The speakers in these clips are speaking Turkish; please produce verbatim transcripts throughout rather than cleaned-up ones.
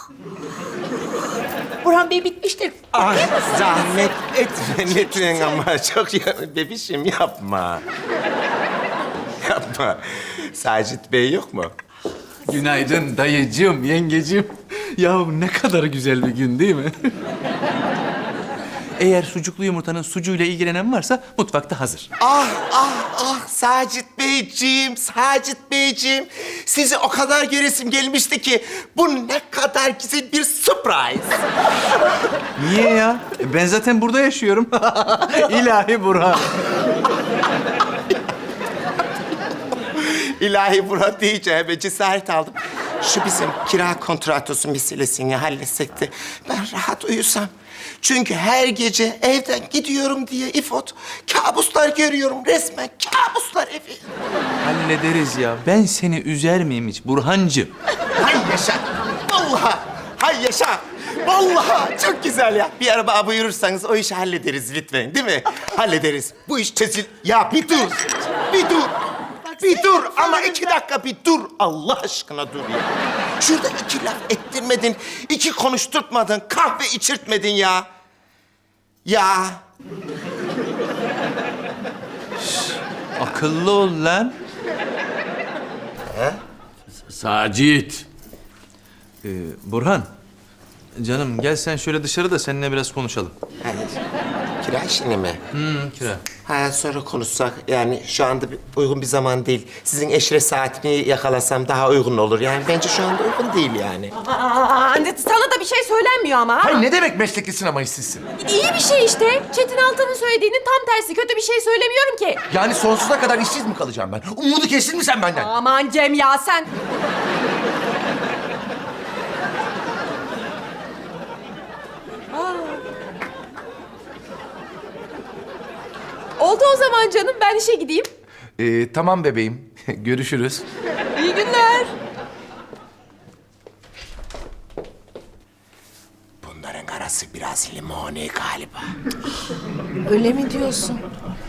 Burhan Bey bitmiştir. Ah, zahmet etme lütfen ama çok ya, bebişim yapma. Yapma. Sacit Bey yok mu? Günaydın dayıcığım, yengecim. Ya ne kadar güzel bir gün değil mi? Eğer sucuklu yumurtanın sucuğuyla ilgilenen varsa mutfakta hazır. Ah ah ah Sacit Beyciğim, Sacit Beyciğim. Sizi o kadar göresim gelmişti ki bu ne kadar güzel bir surprise. Niye ya? Ben zaten burada yaşıyorum. İlahi Burhan. İlahi Murat deyince hemen cesaret aldım. Şu bizim kira kontratosu meselesini halletsek de ben rahat uyusam. Çünkü her gece evden gidiyorum diye İfot kabuslar görüyorum. Resmen kabuslar evi. Hallederiz ya. Ben seni üzer miyim hiç Burhancığım? Hay yaşa. Vallahi. Hay yaşa. Vallahi çok güzel ya. Bir araba buyurursanız o işi hallederiz lütfen, değil mi? Hallederiz. Bu iş çözül... Ya bir dur. Bir dur. Bir dur ama iki dakika bir dur. Allah aşkına dur ya. Şurada iki laf ettirmedin, iki konuşturtmadın, kahve içirtmedin ya. Ya. Akıllı ol lan. Sacit. Ee, Burhan. Canım gel sen şöyle dışarı da seninle biraz konuşalım. Hani kira işini mi? Hı, kira. Ha sonra konuşsak. Yani şu anda bir- uygun bir zaman değil. Sizin eşre saatini yakalasam daha uygun olur. Yani bence şu anda uygun değil yani. Aa, anne, sana da bir şey söylenmiyor ama. ha? Hayır, ne demek meslekli sinema işsizsin? İyi bir şey işte. Çetin Altan'ın söylediğinin tam tersi. Kötü bir şey söylemiyorum ki. Yani sonsuza kadar işsiz mi kalacağım ben? Umudu kestin mi sen benden? Aman Cem ya sen. Aa. Oldu o zaman canım. Ben işe gideyim. Ee, tamam bebeğim. Görüşürüz. İyi günler. Bunların arası biraz limoni galiba. Öyle mi diyorsun?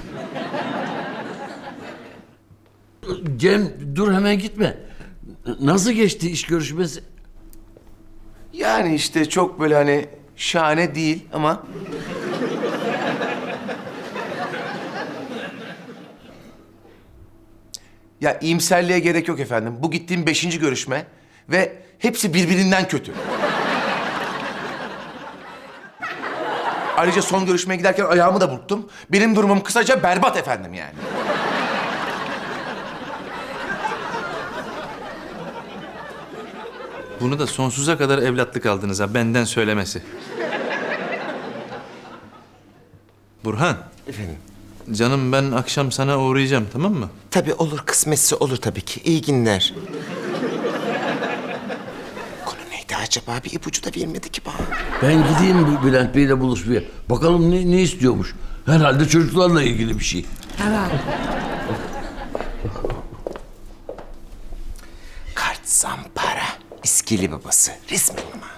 Cem dur hemen gitme. Nasıl geçti iş görüşmesi? Yani işte çok böyle hani şahane değil ama... Ya iyimserliğe gerek yok efendim. Bu gittiğim beşinci görüşme ve hepsi birbirinden kötü. Ayrıca son görüşmeye giderken ayağımı da burktum. Benim durumum kısaca berbat efendim yani. Bunu da sonsuza kadar evlatlık aldınız ha, benden söylemesi. Burhan, Efendim? canım ben akşam sana uğrayacağım, tamam mı? Tabii olur, kısmetse olur tabii ki. İyi günler. Konu neydi acaba? Bir ipucu da vermedi ki bana. Ben gideyim bu Bülent Bey'le buluşmaya. Bakalım ne, ne istiyormuş. Herhalde çocuklarla ilgili bir şey. Kart zampara. İskili babası. Resmen ama.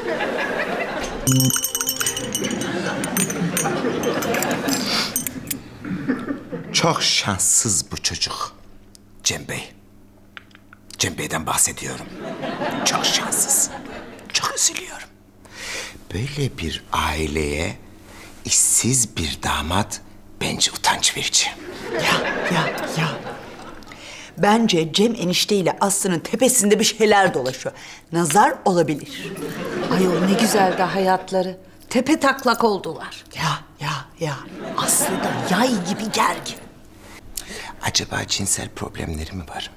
Çok şanssız bu çocuk. Cem Bey. Cem Bey'den bahsediyorum. Çok şanssız. Çok üzülüyorum. Böyle bir aileye işsiz bir damat bence utanç verici. Ya, ya, ya. Bence Cem enişteyle Aslı'nın tepesinde bir şeyler dolaşıyor. Nazar olabilir. Ayol ne güzel de hayatları. Tepe taklak oldular. Ya, ya, ya. Aslı da yay gibi gergin. Acaba cinsel problemleri mi var?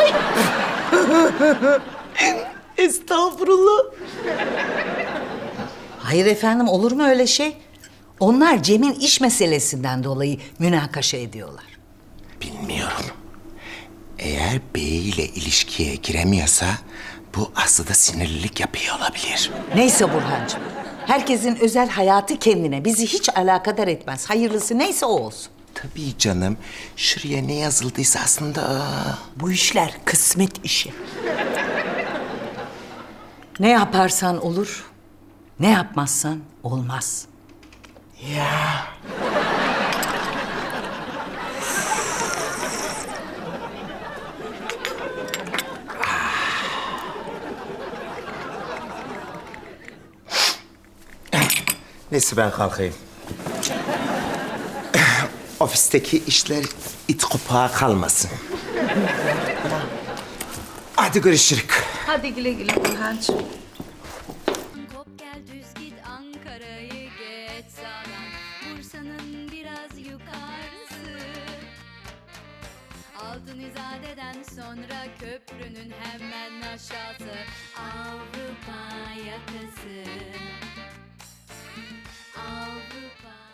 Estağfurullah. Hayır efendim, olur mu öyle şey? Onlar Cem'in iş meselesinden dolayı münakaşa ediyorlar. Bilmiyorum. Eğer beyiyle ilişkiye giremiyorsa bu aslında sinirlilik yapıyor olabilir. Neyse Burhancığım. Herkesin özel hayatı kendine. Bizi hiç alakadar etmez. Hayırlısı neyse o olsun. Tabii canım. Şuraya ne yazıldıysa aslında... aa. Bu işler kısmet işi. Ne yaparsan olur, ne yapmazsan olmaz. Ya. Neyse ben kalkayım. Ofisteki işler it kopağı kalmasın. Hadi görüşürüz. Hadi güle güle Burhancığım. Kop gel düz git Ankara'yı geç sağdan Bursa'nın biraz yukarısı Altın İzade'den sonra köprünün hemen aşağısı Avrupa yakası Avrupa